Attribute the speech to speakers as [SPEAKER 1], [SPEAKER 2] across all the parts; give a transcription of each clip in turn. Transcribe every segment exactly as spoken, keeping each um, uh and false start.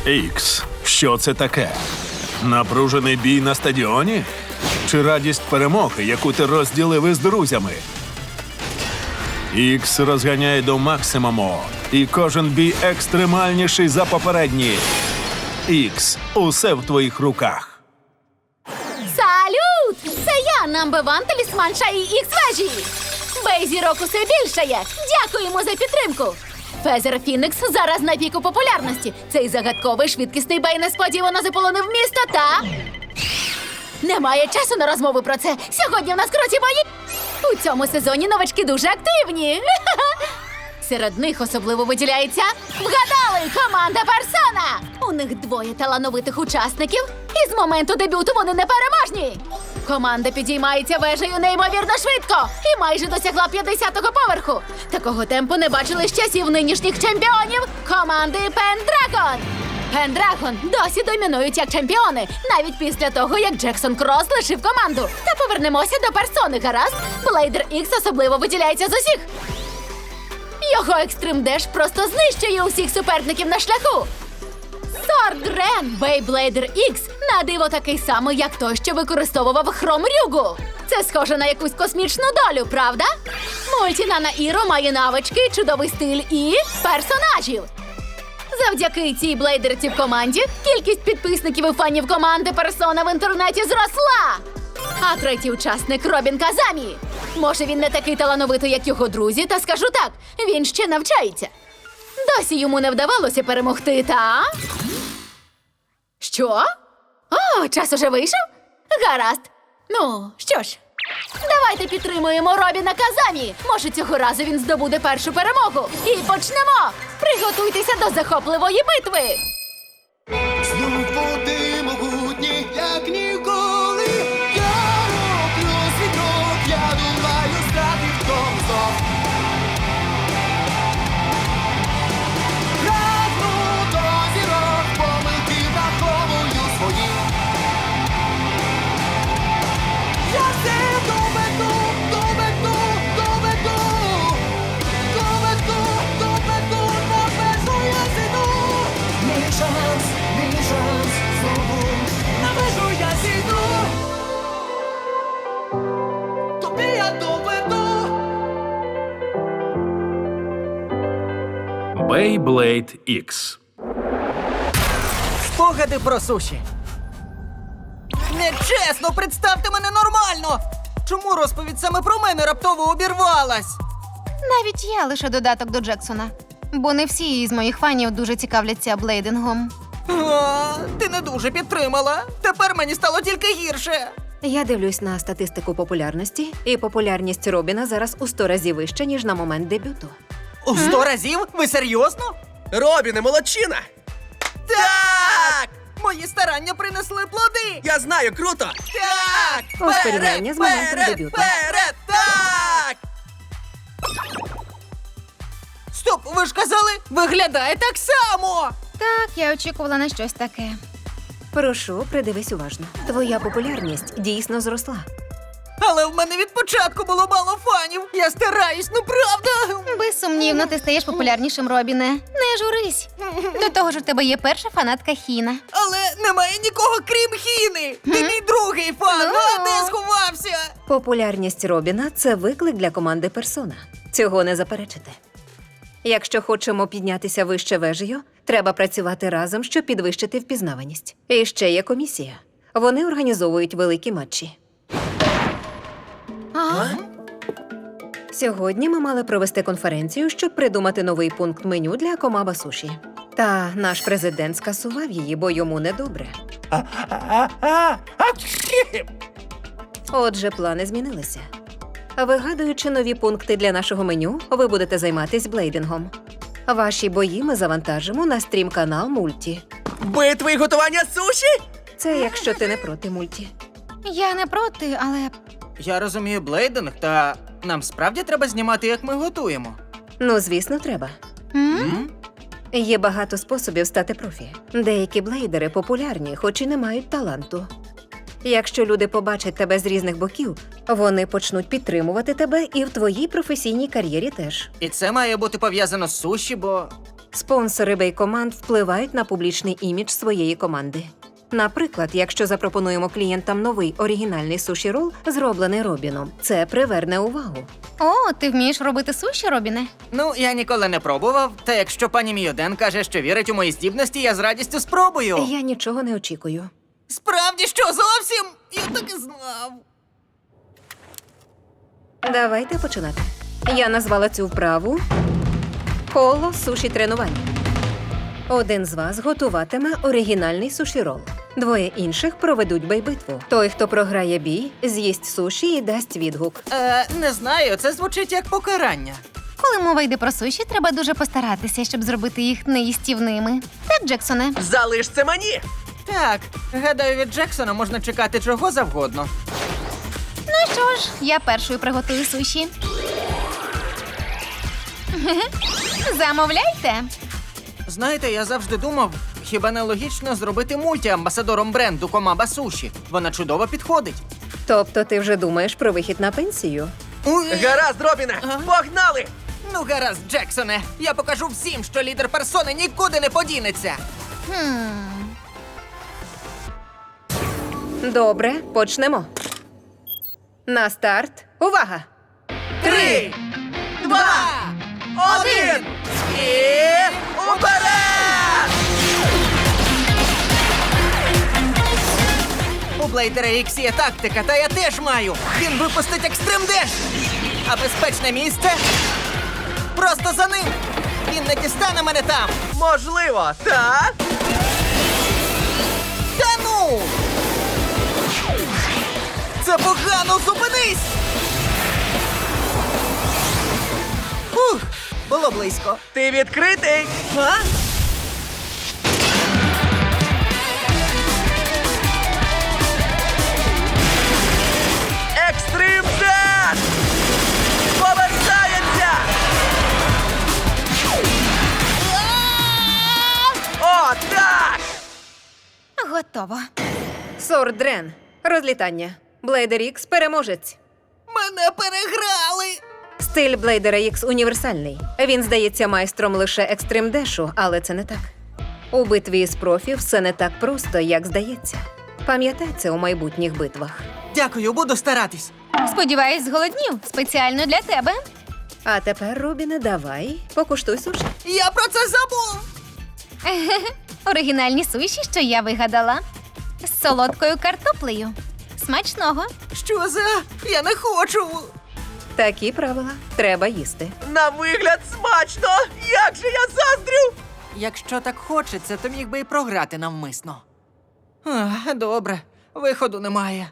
[SPEAKER 1] Ікс, що це таке? Напружений бій на стадіоні? Чи радість перемоги, яку ти розділив із друзями? Ікс розганяє до максимуму, і кожен бій екстремальніший за попередній. Ікс, усе в твоїх руках.
[SPEAKER 2] Салют! Це я, Number One талісман Шаї Ікс-вежі. Бей-зірок усе більшає. Дякуємо за підтримку. Фезер Фінікс зараз на піку популярності. Цей загадковий швидкісний бей несподівано заполонив місто та... Немає часу на розмову про це. Сьогодні в нас круті бої. У цьому сезоні новачки дуже активні. Серед них особливо виділяється... Вгадали! Команда Персона! У них двоє талановитих учасників, і з моменту дебюту вони непереможні. Команда підіймається вежею неймовірно швидко і майже досягла п'ятдесятого поверху. Такого темпу не бачили з часів нинішніх чемпіонів команди Пендрагон. Пендрагон досі домінують як чемпіони, навіть після того, як Джексон Кросс лишив команду. Та повернемося до персони, гаразд? Блейдер Ікс особливо виділяється з усіх. Його екстрим деш просто знищує усіх суперників на шляху. Сорд Грен Бейблейдер Ікс на диво такий самий, як той, що використовував Хром Рюгу. Це схоже на якусь космічну долю, правда? Мультінана Іро має навички, чудовий стиль і персонажів. Завдяки цій блейдерці в команді кількість підписників і фанів команди Персона в інтернеті зросла. А третій учасник Робін Казамі. Може, він не такий талановитий, як його друзі, та скажу так, він ще навчається. Досі йому не вдавалося перемогти, та... Що? О, час уже вийшов? Гаразд. Ну, що ж, давайте підтримуємо Робіна Казамі. Може, цього разу він здобуде першу перемогу. І почнемо! Приготуйтеся до захопливої битви!
[SPEAKER 3] Знов води могутні, як ніколи. Я роблю свій крок, я думаю стати в тому знов. Прагну до зірок, помилки враховую свої. Я все доведу, доведу, доведу. Доведу, доведу, на межу я зійду. Мій шанс, мій шанс, знову на межу я зійду. Тобі я доведу.
[SPEAKER 1] Beyblade Ікс.
[SPEAKER 4] Спогади про суші. Нечесно, представте мене нормально! Чому розповідь саме про мене раптово обірвалась?
[SPEAKER 5] Навіть я лише додаток до Джексона. Бо не всі із моїх фанів дуже цікавляться блейдингом.
[SPEAKER 4] А, ти не дуже підтримала. Тепер мені стало тільки гірше.
[SPEAKER 6] Я дивлюсь на статистику популярності, і популярність Робіна зараз у сто разів вища, ніж на момент дебюту.
[SPEAKER 4] У сто разів? Ви серйозно?
[SPEAKER 7] Робіне, молодчина!
[SPEAKER 4] Так! Мої старання принесли плоди!
[SPEAKER 7] Я знаю, круто!
[SPEAKER 4] Так!
[SPEAKER 6] Ось порівняння з моментом
[SPEAKER 4] Вперед,
[SPEAKER 6] дебюту.
[SPEAKER 4] вперед, так! Стоп, ви ж казали, виглядає так само!
[SPEAKER 5] Так, я очікувала на щось таке.
[SPEAKER 6] Прошу, придивись уважно. Твоя популярність дійсно зросла.
[SPEAKER 4] Але в мене від початку було мало фанів. Я стараюсь, ну правда.
[SPEAKER 5] Безсумнівно, ти стаєш популярнішим, Робіне. Не журись. До того ж, у тебе є перша фанатка Хіна.
[SPEAKER 4] Але немає нікого, крім Хіни. Ти мій другий фан,
[SPEAKER 5] Ну.
[SPEAKER 4] а де сховався?
[SPEAKER 6] Популярність Робіна – це виклик для команди Персона. Цього не заперечити. Якщо хочемо піднятися вище вежею, треба працювати разом, щоб підвищити впізнаваність. І ще є комісія. Вони організовують великі матчі.
[SPEAKER 5] А?
[SPEAKER 6] Сьогодні ми мали провести конференцію, щоб придумати новий пункт меню для Комаба Суші. Та наш президент скасував її, бо йому недобре. Отже, плани змінилися. Вигадуючи нові пункти для нашого меню, ви будете займатися блейдингом. Ваші бої ми завантажимо на стрім-канал Мульті.
[SPEAKER 7] Битви і готування суші?
[SPEAKER 6] Це якщо ти не проти Мульті.
[SPEAKER 5] Я не проти, але
[SPEAKER 4] Я розумію блейдинг, та нам справді треба знімати, як ми готуємо.
[SPEAKER 6] Ну, звісно, треба.
[SPEAKER 5] м?
[SPEAKER 6] Є багато способів стати профі. Деякі блейдери популярні, хоч і не мають таланту. Якщо люди побачать тебе з різних боків, вони почнуть підтримувати тебе і в твоїй професійній кар'єрі теж.
[SPEAKER 4] І це має бути пов'язано з суші, бо
[SPEAKER 6] Спонсори бей-команд впливають на публічний імідж своєї команди. Наприклад, якщо запропонуємо клієнтам новий оригінальний суші-рол, зроблений Робіном, це приверне увагу.
[SPEAKER 5] О, ти вмієш робити суші, Робіне?
[SPEAKER 4] Ну, я ніколи не пробував, та якщо пані Мійоден каже, що вірить у мої здібності, я з радістю спробую.
[SPEAKER 6] Я нічого не очікую.
[SPEAKER 4] Справді, що зовсім? Я так і знав.
[SPEAKER 6] Давайте починати. Я назвала цю вправу коло суші тренувань. Один з вас готуватиме оригінальний суші-рол. Двоє інших проведуть бей-битву. Той, хто програє бій, з'їсть суші і дасть відгук.
[SPEAKER 4] Е, не знаю, це звучить як покарання.
[SPEAKER 5] Коли мова йде про суші, треба дуже постаратися, щоб зробити їх неїстівними. Так, Джексоне?
[SPEAKER 7] Залиш це мені!
[SPEAKER 4] Так, гадаю, від Джексона можна чекати чого завгодно.
[SPEAKER 5] Ну що ж, я першою приготую суші. Замовляйте.
[SPEAKER 4] Знаєте, я завжди думав, хіба не логічно зробити мульті амбасадором бренду Комаба Суші? Вона чудово підходить.
[SPEAKER 6] Тобто ти вже думаєш про вихід на пенсію?
[SPEAKER 4] Уй.
[SPEAKER 7] Гаразд, Робіне! Погнали!
[SPEAKER 4] Ну, гаразд, Джексоне, я покажу всім, що лідер персони нікуди не подінеться.
[SPEAKER 5] Хм.
[SPEAKER 6] Добре, почнемо. На старт. Увага!
[SPEAKER 4] Три, два, один і уперед! У Блейдера Ікс є тактика, та я теж маю. Він випустить екстрим деш. А безпечне місце просто за ним. Він не дістане мене там.
[SPEAKER 7] Можливо, так?
[SPEAKER 4] Та ну! Це погано, зупинись! Ух, було близько.
[SPEAKER 7] Ти відкритий!
[SPEAKER 4] А?
[SPEAKER 7] Екстрим Деш! Повертається! О, так!
[SPEAKER 5] Готово.
[SPEAKER 6] Сордрен. Розлітання. Блейдер Ікс переможець.
[SPEAKER 4] Мене переграли!
[SPEAKER 6] Стиль Блейдера Ікс універсальний. Він здається майстром лише екстрим дешу, але це не так. У битві з профі все не так просто, як здається. Пам'ятай це у майбутніх битвах.
[SPEAKER 4] Дякую, буду старатись.
[SPEAKER 5] Сподіваюсь, зголоднів. Спеціально для тебе.
[SPEAKER 6] А тепер, Робіне, давай, покуштуй суші.
[SPEAKER 4] Я про це забув!
[SPEAKER 5] Оригінальні суші, що я вигадала. З солодкою картоплею. Смачного.
[SPEAKER 4] Що за? Я не хочу!
[SPEAKER 6] Такі правила. Треба їсти.
[SPEAKER 7] На вигляд смачно! Як же я заздрю!
[SPEAKER 4] Якщо так хочеться, то міг би і програти навмисно. Ах, добре, виходу немає.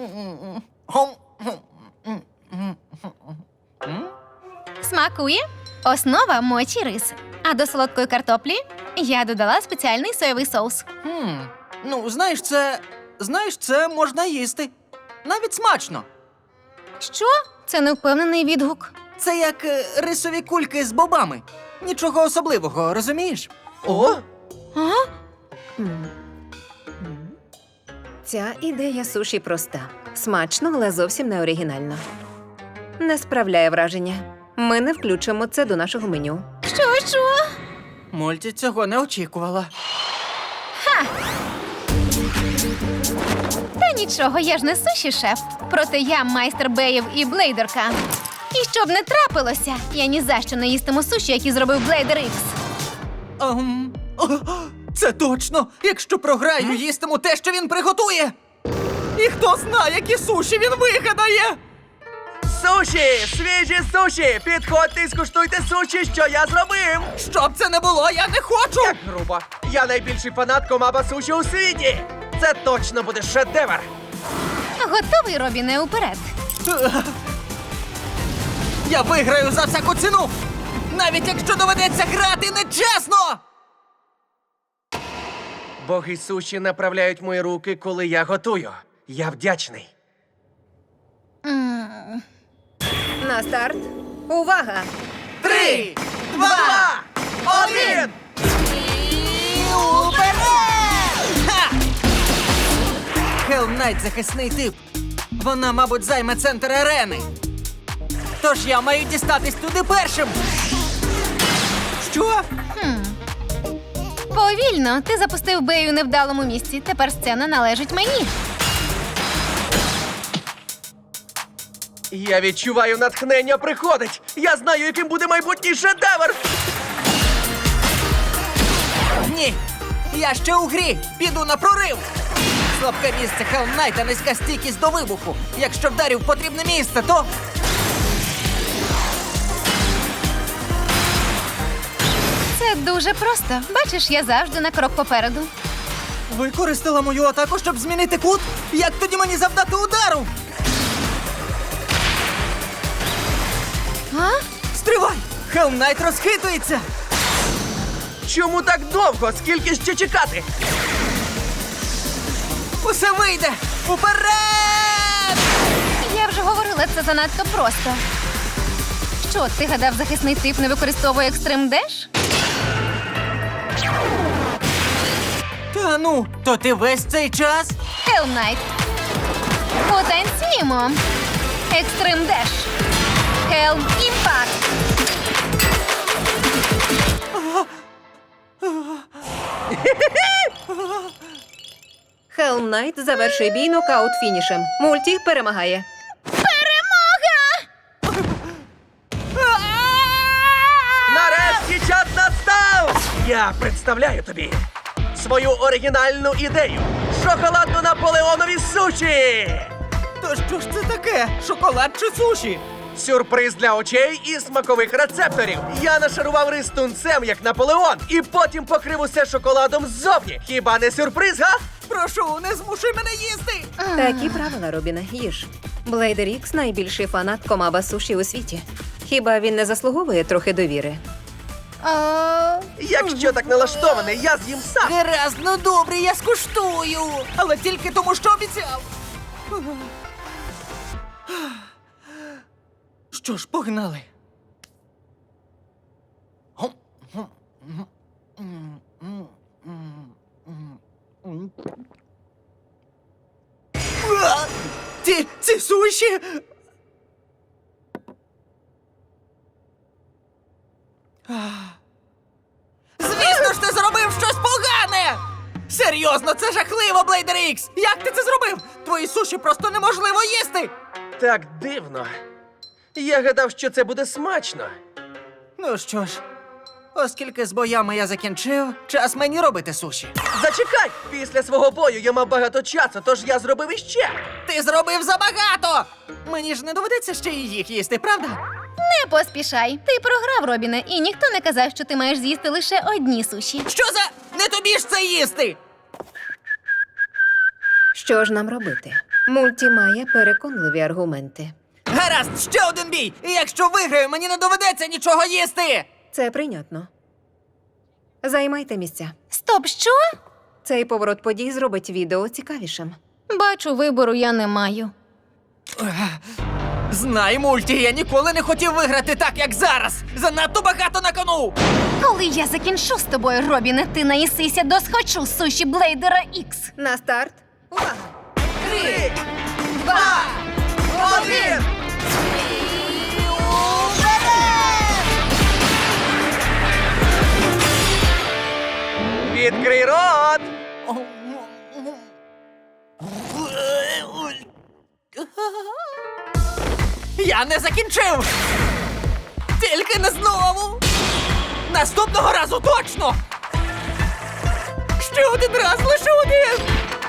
[SPEAKER 5] Смакує? Основа мочі рис. А до солодкої картоплі я додала спеціальний соєвий соус.
[SPEAKER 4] Хм, ну, знаєш, це. Знаєш, це можна їсти. Навіть смачно.
[SPEAKER 5] Що? Це невпевнений відгук.
[SPEAKER 4] Це як е, рисові кульки з бобами. Нічого особливого, розумієш?
[SPEAKER 7] О!
[SPEAKER 5] А?
[SPEAKER 6] Ця ідея суші проста. Смачно, але зовсім не оригінально. Не справляє враження. Ми не включимо це до нашого меню.
[SPEAKER 5] Що, що?
[SPEAKER 4] Мульті цього не очікувала.
[SPEAKER 5] Та нічого, я ж не суші шеф. Проте я майстер беїв і блейдерка. І щоб не трапилося, я ні за що не їстиму суші, які зробив Блейдер Ікс.
[SPEAKER 4] Ем, о, це точно! Якщо програю, їстиму те, що він приготує! І хто знає, які суші він вигадає!
[SPEAKER 7] Суші! Свіжі суші! Підходьте і скуштуйте суші, що я зробив!
[SPEAKER 4] Щоб це не було, я не хочу!
[SPEAKER 7] Як грубо! Я найбільший фанат Комаба Суші у світі! Це точно буде шедевр!
[SPEAKER 5] Готовий, Робіне, уперед.
[SPEAKER 4] Я виграю за всяку ціну! Навіть якщо доведеться грати нечесно!
[SPEAKER 7] Боги суші направляють мої руки, коли я готую. Я вдячний.
[SPEAKER 5] М.
[SPEAKER 6] На старт. Увага!
[SPEAKER 4] Три, два,
[SPEAKER 7] Два!
[SPEAKER 4] один! І уперед! Ха! Хелл Найт захисний тип. Вона, мабуть, займе центр арени. Тож я маю дістатись туди першим. Що?
[SPEAKER 5] Хм. Повільно, ти запустив Бею у невдалому місці. Тепер сцена належить мені.
[SPEAKER 7] Я відчуваю, натхнення приходить. Я знаю, яким буде майбутній шедевр.
[SPEAKER 4] Ні, я ще у грі. Піду на прорив. Слабке місце Helm Knight, низька стійкість до вибуху. Якщо вдарю в потрібне місце, то...
[SPEAKER 5] Це дуже просто. Бачиш, я завжди на крок попереду.
[SPEAKER 4] Використала мою атаку, щоб змінити кут? Як тоді мені завдати удару?
[SPEAKER 5] А?
[SPEAKER 4] Стривай! Helm Knight розхитується!
[SPEAKER 7] Чому так довго? Скільки ще чекати?
[SPEAKER 4] Усе вийде! Уперед!
[SPEAKER 5] Я вже говорила, це занадто просто. Що, ти гадав, захисний тип не використовує екстрим деш?
[SPEAKER 4] Та ну, то ти весь цей час?
[SPEAKER 5] Helm Knight. Потанцюємо. Екстрим деш. Helm Impact.
[SPEAKER 6] Helm Knight завершує бій нокаут фінішем. Мульті перемагає.
[SPEAKER 7] Нарешті час настав! Я представляю тобі свою оригінальну ідею. Шоколадно-наполеонові суші!
[SPEAKER 4] То що ж це таке? Шоколад чи суші?
[SPEAKER 7] Сюрприз для очей і смакових рецепторів. Я нашарував рис тунцем, як Наполеон, і потім покрив усе шоколадом ззовні. Хіба не сюрприз, га?
[SPEAKER 4] Прошу, не змушуй мене їсти!
[SPEAKER 6] Такі правила, Робіне, їж. Блейдер Ікс – найбільший фанат комаба суші у світі. Хіба він не заслуговує трохи довіри?
[SPEAKER 5] О,
[SPEAKER 7] Якщо так налаштований, я з'їм сам.
[SPEAKER 4] Гаразд, ну добре, я скуштую. Але тільки тому, що обіцяв. Що ж, погнали. А! Ці, ці суші! Звісно ж, ти зробив щось погане! Серйозно, це жахливо, Блейдер Ікс! Як ти це зробив? Твої суші просто неможливо їсти!
[SPEAKER 7] Так дивно. Я гадав, що це буде смачно.
[SPEAKER 4] Ну що ж, оскільки з боями я закінчив, час мені робити суші.
[SPEAKER 7] Зачекай! Після свого бою я мав багато часу, тож я зробив іще.
[SPEAKER 4] Ти зробив забагато! Мені ж не доведеться ще і їх їсти, правда?
[SPEAKER 5] не поспішай. Ти програв, Робіне, і ніхто не казав, що ти маєш з'їсти лише одні суші.
[SPEAKER 4] Що за... Не тобі ж це їсти!
[SPEAKER 6] Що ж нам робити? Мульті має переконливі аргументи.
[SPEAKER 4] Гаразд, ще один бій! І якщо виграю, мені не доведеться нічого їсти!
[SPEAKER 6] Це прийнятно. Займайте місця.
[SPEAKER 5] Стоп, що?
[SPEAKER 6] Цей поворот подій зробить відео цікавішим.
[SPEAKER 5] Бачу, вибору я не маю.
[SPEAKER 4] Знай, Мульті, я ніколи не хотів виграти так, як зараз! Занадто багато на кону!
[SPEAKER 5] Коли я закінчу з тобою, Робіне, ти наїсися до схочу суші Блейдера Ікс.
[SPEAKER 6] На старт. Увага!
[SPEAKER 7] Три, два, один! Відкрий рот!
[SPEAKER 4] Я не закінчив! Тільки не знову! Наступного разу точно! Ще один раз, лише один!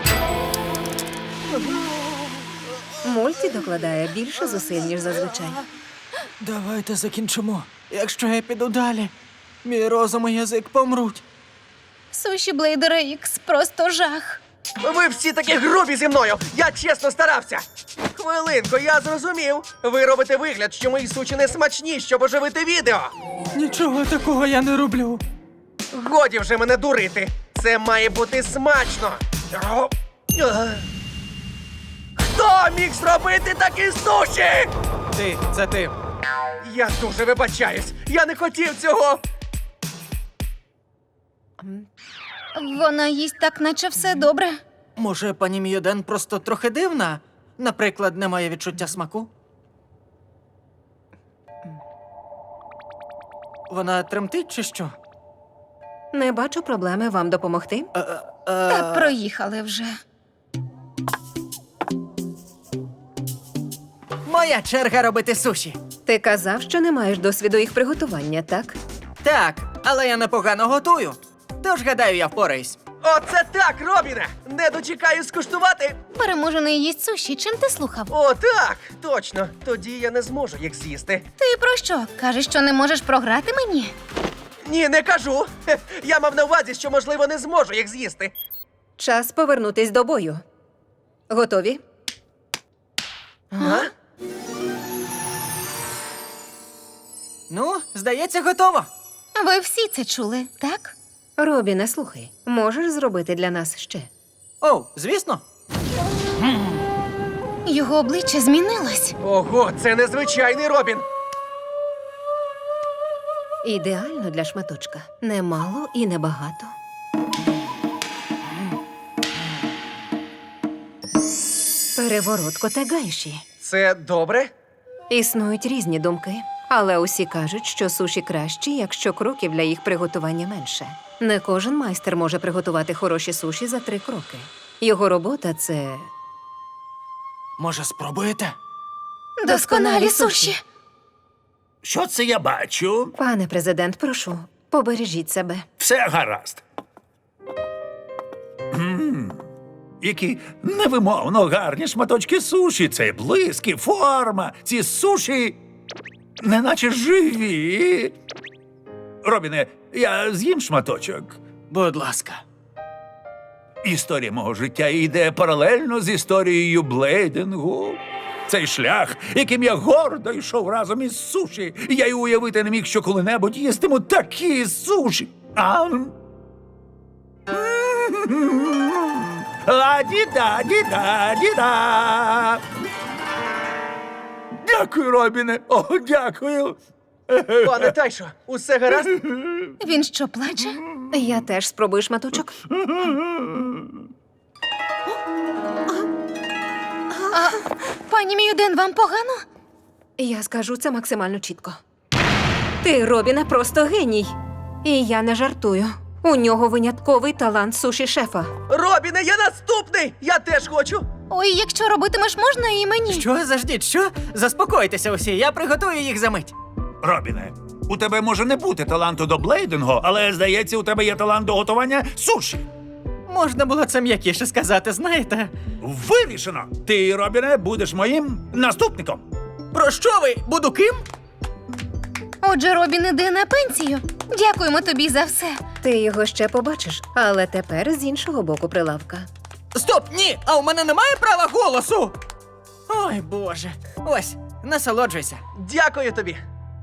[SPEAKER 6] Мульті докладає більше зусиль, ніж зазвичай.
[SPEAKER 4] Давайте закінчимо. Якщо я піду далі, мій розум і язик помруть.
[SPEAKER 5] Суші Блейдера Ікс просто жах.
[SPEAKER 7] Ви всі такі грубі зі мною! Я чесно старався! Хвилинку, я зрозумів. Ви робите вигляд, що мої сучі не смачні, щоб оживити відео.
[SPEAKER 4] Нічого такого я не роблю.
[SPEAKER 7] Годі вже мене дурити. Це має бути смачно. О, е. Хто міг зробити такі суші?
[SPEAKER 4] Ти, це ти.
[SPEAKER 7] Я дуже вибачаюсь. Я не хотів цього.
[SPEAKER 5] Вона їсть так, наче все добре.
[SPEAKER 4] Може, пані Мійоден просто трохи дивна? Наприклад, не має відчуття смаку? Вона тремтить чи що?
[SPEAKER 6] Не бачу проблеми вам допомогти.
[SPEAKER 5] Та проїхали вже.
[SPEAKER 4] Моя черга робити суші.
[SPEAKER 6] Ти казав, що не маєш досвіду їх приготування, так?
[SPEAKER 4] Так, але я непогано готую. Тож, гадаю, я впораюсь.
[SPEAKER 7] Оце так, Робіне! Не дочекаюсь скуштувати.
[SPEAKER 5] Переможений їсть суші. Чим ти слухав?
[SPEAKER 7] О, так! Точно! Тоді я не зможу їх з'їсти.
[SPEAKER 5] Ти про що? Кажеш, що не можеш програти мені?
[SPEAKER 7] Ні, не кажу. Хе, я мав на увазі, що, можливо, не зможу їх з'їсти.
[SPEAKER 6] Час повернутись до бою. Готові?
[SPEAKER 7] А?
[SPEAKER 4] Ну, здається, готово.
[SPEAKER 5] Ви всі це чули, так?
[SPEAKER 6] Робіне, слухай, можеш зробити для нас ще?
[SPEAKER 4] Оу, звісно.
[SPEAKER 5] Його обличчя змінилось.
[SPEAKER 7] Ого, це незвичайний Робін.
[SPEAKER 6] Ідеально для шматочка. Немало і небагато. Переворот Котегайші.
[SPEAKER 7] Це добре?
[SPEAKER 6] Існують різні думки, але усі кажуть, що суші кращі, якщо кроків для їх приготування менше. Не кожен майстер може приготувати хороші суші за три кроки. Його робота – це
[SPEAKER 4] Може, спробуєте?
[SPEAKER 5] Досконалі суші.
[SPEAKER 8] Що це я бачу?
[SPEAKER 6] Пане президент, прошу, побережіть себе.
[SPEAKER 8] Все гаразд. М, Які невимовно гарні шматочки суші. Це блиск і форма. Ці суші неначе живі. Робіне, я з'їм шматочок.
[SPEAKER 4] Будь ласка.
[SPEAKER 8] Історія мого життя йде паралельно з історією блейдингу. Цей шлях, яким я гордо йшов разом із суші. Я й уявити не міг, що коли-небудь їстиму такі суші. А? А діда, діда, діда. Дякую, Робіне. О, дякую.
[SPEAKER 7] Пане Тайшо, усе гаразд?
[SPEAKER 5] Він що, плаче?
[SPEAKER 6] Я теж спробую шматочок.
[SPEAKER 5] Пані Міюден, вам погано?
[SPEAKER 6] Я скажу це максимально чітко. Ти, Робіне, просто геній. І я не жартую. У нього винятковий талант суші-шефа.
[SPEAKER 7] Робіне, я наступний! Я теж хочу!
[SPEAKER 5] Ой, якщо робитимеш, можна і мені.
[SPEAKER 4] Що, заждіть, що? Заспокойтеся усі, я приготую їх за мить.
[SPEAKER 8] Робіне, у тебе може не бути таланту до блейдингу, але, здається, у тебе є талант до готування суші.
[SPEAKER 4] Можна було це м'якіше сказати, знаєте?
[SPEAKER 8] Вирішено! Ти, Робіне, будеш моїм наступником.
[SPEAKER 4] Про що ви? Буду ким?
[SPEAKER 5] Отже, Робін іде на пенсію. Дякуємо тобі за все.
[SPEAKER 6] Ти його ще побачиш, але тепер з іншого боку прилавка.
[SPEAKER 4] Стоп, ні! А у мене немає права голосу! Ой, Боже. Ось, насолоджуйся.
[SPEAKER 7] Дякую тобі!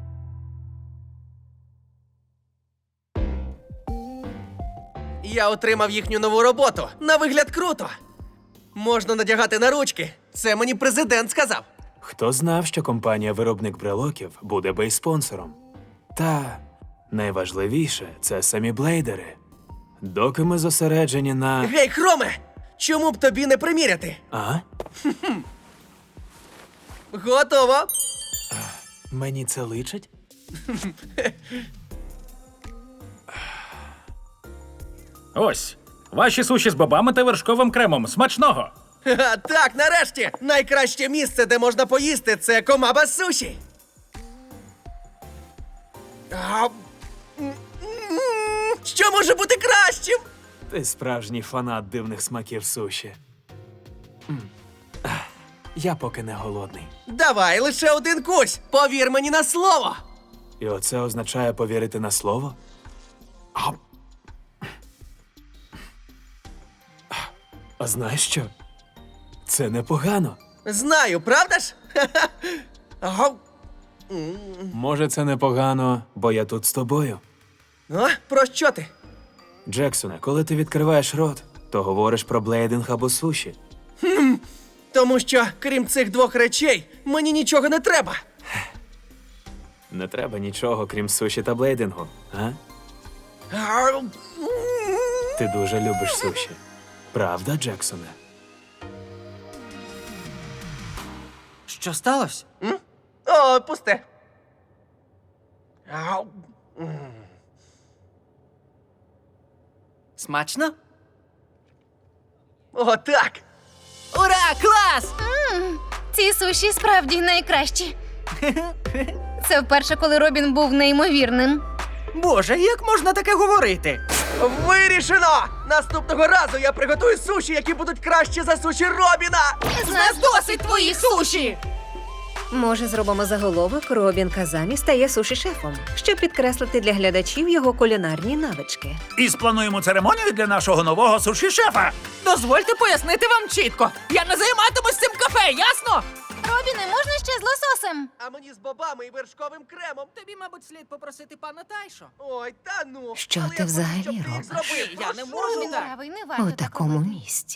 [SPEAKER 7] Я отримав їхню нову роботу. На вигляд круто. Можна надягати на ручки. Це мені президент сказав.
[SPEAKER 9] Хто знав, що компанія-виробник брелоків буде бейспонсором? Та найважливіше це самі блейдери. Доки ми зосереджені на.
[SPEAKER 7] Гей, Хроме! Чому б тобі не приміряти?
[SPEAKER 9] А?
[SPEAKER 7] Готово!
[SPEAKER 9] Мені це личить?
[SPEAKER 10] Ось, ваші суші з бобами та вершковим кремом. Смачного!
[SPEAKER 7] Ха, так, нарешті! Найкраще місце, де можна поїсти, це Комаба Суші. А, м, м, Що може бути кращим?
[SPEAKER 9] Ти справжній фанат дивних смаків суші. М. Ах, Я поки не голодний.
[SPEAKER 7] Давай, лише один кусь. Повір мені на слово.
[SPEAKER 9] І оце означає повірити на слово? А, а знаєш що? Це непогано.
[SPEAKER 7] Знаю, правда ж? Ха-ха. Ага.
[SPEAKER 9] Може, це непогано, бо я тут з тобою.
[SPEAKER 7] А, про що ти?
[SPEAKER 9] Джексоне, коли ти відкриваєш рот, то говориш про блейдинг або суші.
[SPEAKER 7] Тому що, крім цих двох речей, мені нічого не треба.
[SPEAKER 9] Не треба нічого, крім суші та блейдингу, а?
[SPEAKER 7] А, м.
[SPEAKER 9] Ти дуже любиш суші. Правда, Джексоне?
[SPEAKER 4] Що сталося?
[SPEAKER 7] О, пусте. А, м.
[SPEAKER 4] Смачно?
[SPEAKER 7] Отак!
[SPEAKER 4] Ура, клас!
[SPEAKER 5] М, ці суші справді найкращі. Це вперше, коли Робін був неймовірним.
[SPEAKER 4] Боже, як можна таке говорити?
[SPEAKER 7] Вирішено! Наступного разу я приготую суші, які будуть краще за суші Робіна!
[SPEAKER 5] З нас досить твоїх суші!
[SPEAKER 6] Може, зробимо заголовок «Робін Казамі стає суші-шефом», щоб підкреслити для глядачів його кулінарні навички.
[SPEAKER 8] І сплануємо церемонію для нашого нового суші-шефа.
[SPEAKER 4] Дозвольте пояснити вам чітко. Я не займатимусь цим кафе, ясно?
[SPEAKER 5] Робіне, можна ще з лососем?
[SPEAKER 7] А мені з бобами і вершковим кремом.
[SPEAKER 4] Тобі, мабуть, слід попросити пана Тайшо.
[SPEAKER 7] Ой, та ну.
[SPEAKER 6] Що
[SPEAKER 7] Але
[SPEAKER 6] ти
[SPEAKER 7] я
[SPEAKER 6] взагалі
[SPEAKER 7] хочу, щоб ти їх
[SPEAKER 6] робиш?
[SPEAKER 7] зробив.
[SPEAKER 4] Я не
[SPEAKER 7] Прошу.
[SPEAKER 4] можу
[SPEAKER 5] Він
[SPEAKER 4] так.
[SPEAKER 5] правий, не варто
[SPEAKER 6] У
[SPEAKER 5] так
[SPEAKER 6] такому
[SPEAKER 5] робити.
[SPEAKER 6] місці.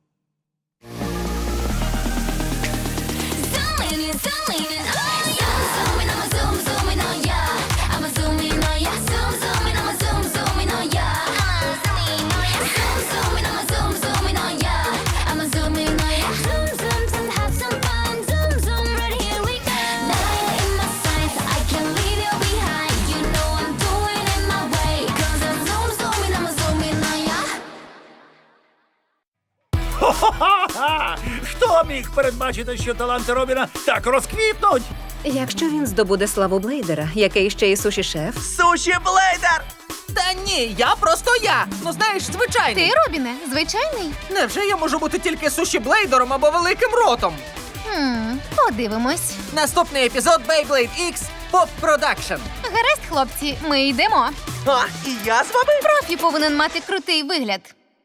[SPEAKER 8] Хо-хо-ха! Хто міг передбачити, що таланти Робіна так розквітнуть?
[SPEAKER 6] Якщо він здобуде славу Блейдера, який ще й суші-шеф,
[SPEAKER 7] Суші Блейдер!
[SPEAKER 4] Та ні, я просто я. Ну знаєш, звичайний.
[SPEAKER 5] Ти, Робіне, звичайний?
[SPEAKER 4] Невже я можу бути тільки суші блейдером або великим ротом?
[SPEAKER 5] Хм, подивимось.
[SPEAKER 4] Наступний епізод Beyblade X Pop Production.
[SPEAKER 5] Гаразд, хлопці, ми йдемо.
[SPEAKER 7] А, і я з вами?
[SPEAKER 5] Профі повинен мати крутий вигляд.